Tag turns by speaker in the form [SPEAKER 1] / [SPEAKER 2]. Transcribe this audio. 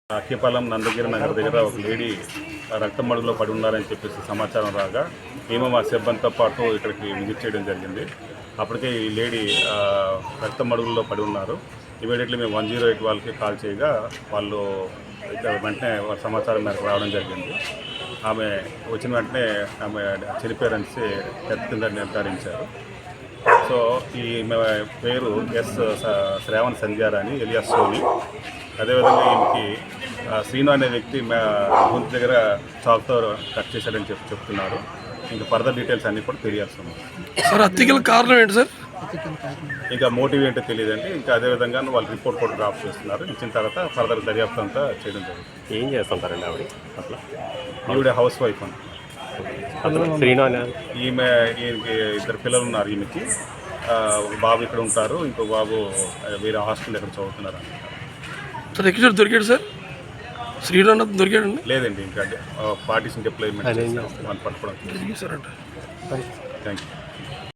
[SPEAKER 1] అక్కిపాలెం నందగిరి నగర్ దగ్గర ఒక లేడీ రక్తం మడుగులో పడి ఉన్నారని చెప్పేసి సమాచారం రాగా మేము మా సిబ్బందితో పాటు ఇక్కడికి విజిట్ చేయడం జరిగింది. అప్పటికే ఈ లేడీ రక్తం మడుగుల్లో పడి ఉన్నారు. ఇమీడియట్లీ మేము 108 వాళ్ళకి కాల్ చేయగా వాళ్ళు ఇక్కడ వెంటనే సమాచారం మేరకు రావడం జరిగింది. ఆమె వచ్చిన వెంటనే ఆమె చనిపోయారని డెత్ కింద నిర్ధారించారు. సో ఈ పేరు శ్రావణ్ సంధ్యారాణి ఎలియాస్ సోని. అదేవిధంగా ఈమెకి శ్రీను అనే వ్యక్తి గొంతు దగ్గర చాక్తో కట్ చేశాడని చెప్తున్నారు. ఇంకా ఫర్దర్ డీటెయిల్స్ అన్నీ కూడా తెలియాల్సి ఉంది.
[SPEAKER 2] సార్ హత్యకి కారణం ఏంటి సార్?
[SPEAKER 1] ఇంకా మోటివ్ ఏంటో తెలియదండి. ఇంకా అదేవిధంగా వాళ్ళు రిపోర్ట్ కూడా డ్రాప్ చేస్తున్నారు. ఇచ్చిన తర్వాత ఫర్దర్ దర్యాప్తు అంతా చేయడం జరుగుతుంది.
[SPEAKER 3] ఏం చేస్తుంటారండి ఆవిడ అట్లా?
[SPEAKER 1] ఈవిడ హౌస్ వైఫ్ అని. ఈమె 2 పిల్లలు ఉన్నారు. ఈమెకి ఒక బాబు ఇక్కడ ఉంటారు, ఇంకో బాబు వేరే హాస్టల్ ఇక్కడ చదువుతున్నారు.
[SPEAKER 2] సార్ ఎక్కడ దొరికాడు సార్? శ్రీరామ్ దొరికాడండి?
[SPEAKER 1] లేదండి, ఇంకా పార్టీషన్ డిప్లాయ్మెంట్ పట్టుకోవడం. Thank you.